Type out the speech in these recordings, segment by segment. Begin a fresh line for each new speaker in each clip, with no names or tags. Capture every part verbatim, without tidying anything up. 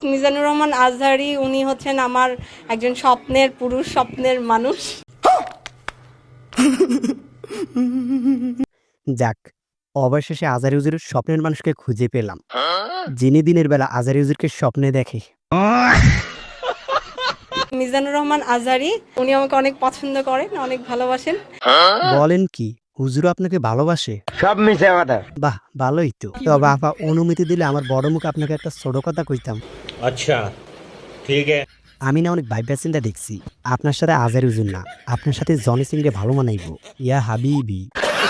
মিজানুর রহমান আজহারি উনি হচ্ছেন আমার একজন স্বপ্নের পুরুষ, স্বপ্নের মানুষ।
যাক, অবশেষে আজহারি হুজুরের স্বপ্নের মানুষকে খুঁজে পেলাম, যিনি দিনের বেলা আজহারি হুজুরকে স্বপ্নে দেখে।
মিজানুর রহমান আজহারি উনি আমাকে অনেক পছন্দ করেন, অনেক ভালোবাসেন।
বলেন কি, হুজুর আপনাকে ভালোবাসে?
সব মিশে কথা।
বাহ, ভালোই তো। তবে আপা অনুমতি দিলে আমার বড় মুখ আপনাকে একটা ছোট কথা কইতাম।
अच्छा ठीक है।
আমি না অনেক ভাইবা চিন্তা দেখছি, আপনার সাথে আজহারি হুজুর না, আপনার সাথে জনি সিং রে ভালো মানাইব। ইয়া হাবিবি।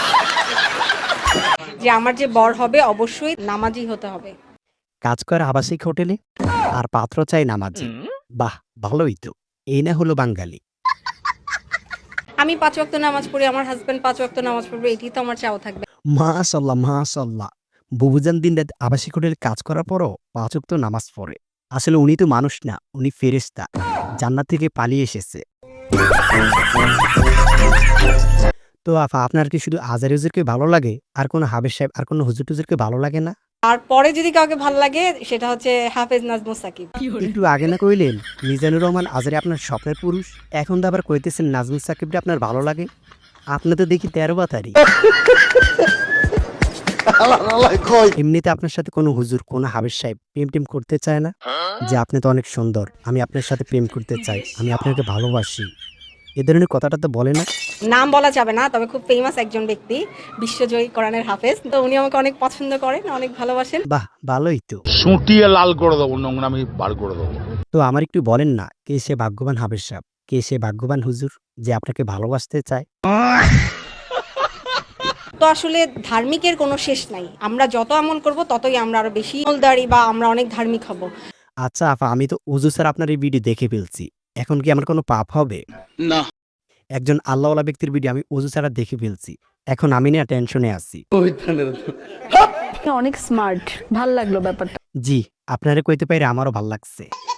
যে আমার যে বর হবে অবশ্যই নামাজি হতে হবে।
কাজ করে আবাসিক হোটেলে, আর পাত্র চাই নামাজি। বাহ, ভালোই তো। এই না হলো বাঙালি।
আমি পাঁচ ওয়াক্ত নামাজ পড়ি, আমার হাজবেন্ড পাঁচ ওয়াক্ত নামাজ পড়বে, এটাই তো আমার চাও থাকবে।
মাশাল্লাহ মাশাল্লাহ। বুবুজান দিন রাত আবাসিক হোটেলে কাজ করার পরও পাঁচ ওয়াক্ত নামাজ পড়ে। আসলে উনি তো মানুষ না, উনি ফেরেশতা, জান্নাত থেকে পালিয়ে এসেছে। তো আফা, আপনার কি শুধু আজহারি হুজুরকে ভালো লাগে, আর কোনো হাবেজ সাহেব আর কোনো হুজুর টুজুরকে ভালো লাগে না?
আর পরে যদি কাউকে ভালো লাগে সেটা হচ্ছে হাফেজ নাজমুস সাকিব।
একটু আগে না কইলেন মিজানুর রহমান আজহারি আপনার স্বপ্নের পুরুষ, এখন তো আবার কইতেছেন নাজমুস সাকিবরে আপনার ভালো লাগে। আপনি তো দেখি তেরো বাতারি। এমনিতে আপনার সাথে কোনো হুজুর, কোনো হাবেজ সাহেব প্রেম টেম করতে চায় না? যে আপনি তো অনেক সুন্দর, আমি আপনার সাথে প্রেম করতে চাই, আমি আপনাকে ভালোবাসি, এ ধরনের কথাটা তো বলে না?
নাম বলা যাবে না, তবে খুব ফেমাস একজন ব্যক্তি, বিশ্বজয়ী কোরআনের হাফেজ। তো উনি আমাকে অনেক পছন্দ করেন, অনেক ভালোবাসেন।
বাহ, ভালোই তো।
সুটিয়ে লাল করে দেবো, নোংরামি বার করে দেবো।
তো আমার একটু বলেন না, কে সে ভাগ্যবান হাবেজ সাহেব, কে সে ভাগ্যবান হুজুর যে আপনাকে ভালোবাসতে চায়?
তো আসলে ধার্মিকের কোনো শেষ নাই, আমরা যত আমল করব ততই আমরা আরো বেশি আমলদারি বা আমরা অনেক ধার্মিক হব।
আচ্ছা আফা, আমি তো ওযু স্যার আপনার এই ভিডিও দেখে ফেলছি, এখন কি আমার কোনো পাপ হবে?
না।
একজন আল্লাহওয়ালা ব্যক্তির ভিডিও আমি ওযু ছাড়া দেখে ফেলছি, এখন আমি না টেনশনে আছি।
অনেক স্মার্ট, ভাল লাগলো ব্যাপারটা।
জি, আপনারে কইতে পাইরে আমারও ভাল লাগছে।